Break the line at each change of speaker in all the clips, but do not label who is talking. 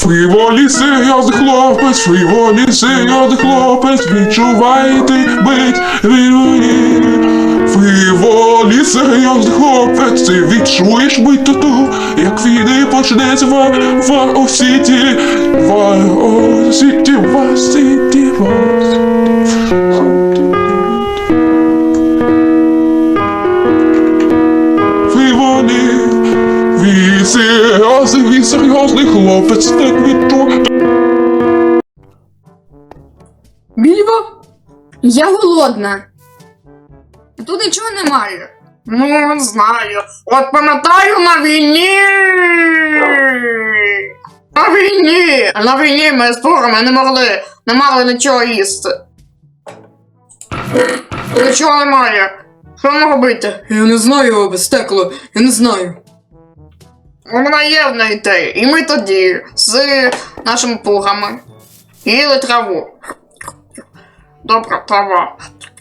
Фріволі серйозний хлопець, фріволі серйозний хлопець, відчувайте бить вільволі. Фріволі серйозний хлопець, ти відчуєш бить тату, як війни почнеться в Осіті, в Осіті, в Осіті, в Осіті. Фріволі, він серйозний хлопець, так відчує.
Більбо? Я голодна. Тут нічого немає.
Ну, не знаю. От пам'ятаю на війні. На війні ми з турами не могли нічого їсти. Нічого немає. Що нам робити?
Я не знаю, стекло, я не знаю.
Вона є в неї те. І ми тоді з нашими пугами їли траву. Добра трава.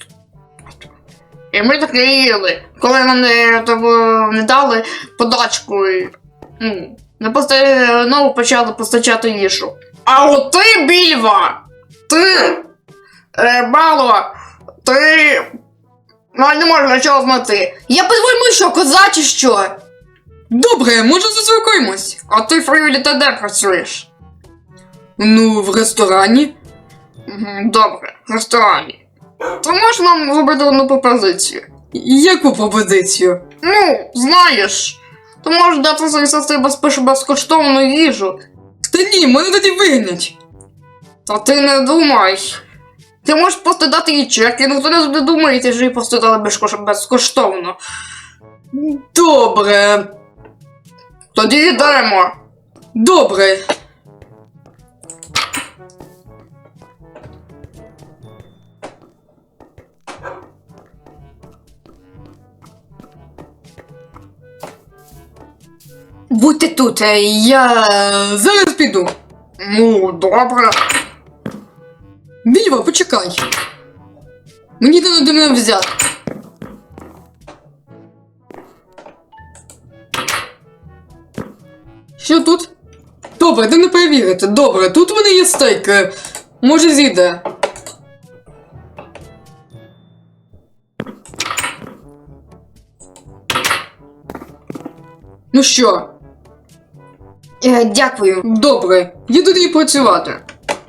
І ми таке їли. Коли нам не дали подачку, і, знову почали постачати їжу. А от ти, Більва! Ти, Бало, ти не можеш нічого знати.
Я по-твоєму що, коза чи що? Добре, може заспокоїмось.
А ти, Фріволі, ти де працюєш?
Ну, в ресторані.
Добре, в ресторані. Ти можеш нам зробити одну пропозицію?
Яку пропозицію?
Ну, знаєш, ти можеш дати своїй сестрі безкоштовну їжу.
Та ні, мене тоді вигнять.
Та ти не думай. Ти можеш просто дати їй чек, і ніхто не думає, що їй просто дали безкоштовно.
Добре.
Тоді йдемо.
Добре. Будьте тут, я зараз піду.
Ну, добре.
Більва, почекай. Мені треба до мене взяти. Що тут? Добре, де не перевірити. Добре, тут в мене є стейк. Може зійде. Ну що?
Дякую.
Добре, я тоді працювати.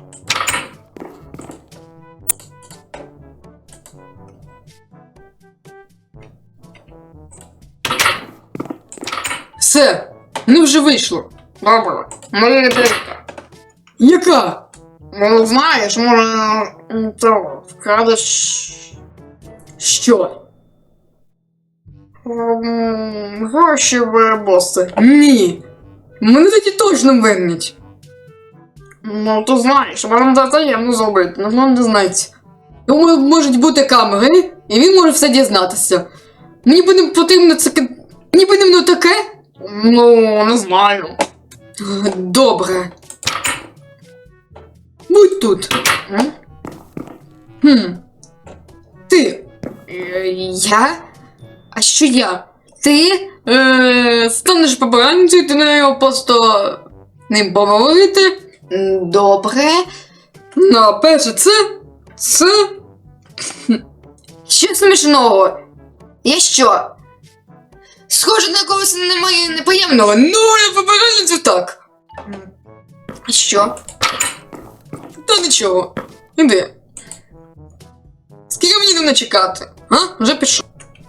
Все, ну вже вийшло.
Добре. Моя ідейка.
Яка?
Ну, знаєш, може, то вкрадеш
Що?
гроші в боси.
Ні. Мене тоді точно вигнять.
Ну, то знаєш, можемо це таємно зробити, ніхто не знається.
Тому можуть бути камери, і він може все дізнатися. Мені потрібно це... Мені потрібно таке?
Ну, не знаю.
Добре. Будь тут. Ти. Я? А що я? Ти? Станеш побранцею, ти на нього просто ним поговорити. Добре. Ну, а перше це. Що смішного? Я що? Схоже на когось немає неприємного. Ну, я побранцю так. А що? Та нічого. Іди. Скільки мені не чекати? А? Вже пішов.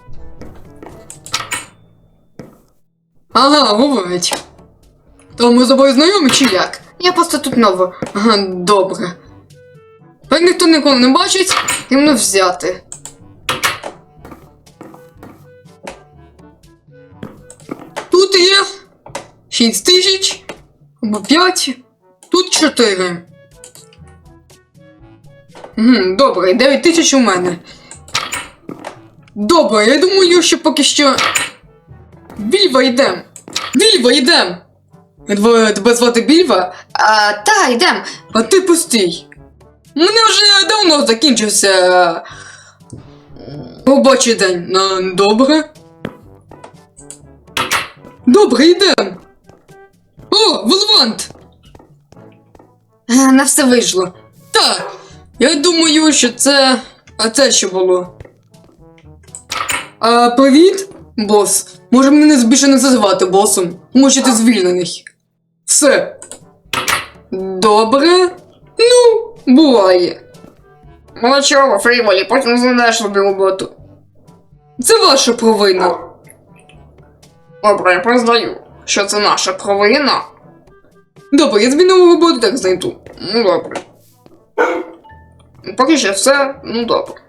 Ага, говорить. То ми з тобою знайомі чи як? Я просто тут нова. Ага, добре. Так ніхто ніколи не бачить, і мене взяти. Тут є 6 тисяч, або 5, тут 4. Добре, 9 тисяч у мене. Добре, я думаю, що поки що... Більва, йдем! Більва, йдем! Тебе звати Більва? Та, йдем. А ти пустий. У мене вже давно закінчився... робочий день. Добре. Добре, йдем. О, Волвант! Не все вийшло. Так, я думаю, що це. А це що було? Привіт, бос. Може мене більше не називати босом, тому що ти звільнений. Все. Добре. Ну, буває.
Ну нічого, Фріволі, потім знайдеш собі роботу.
Це ваша провина.
Добре, я признаю, що це наша провина.
Добре, я змінив роботу, так знайду.
Ну добре. Поки що все, ну добре.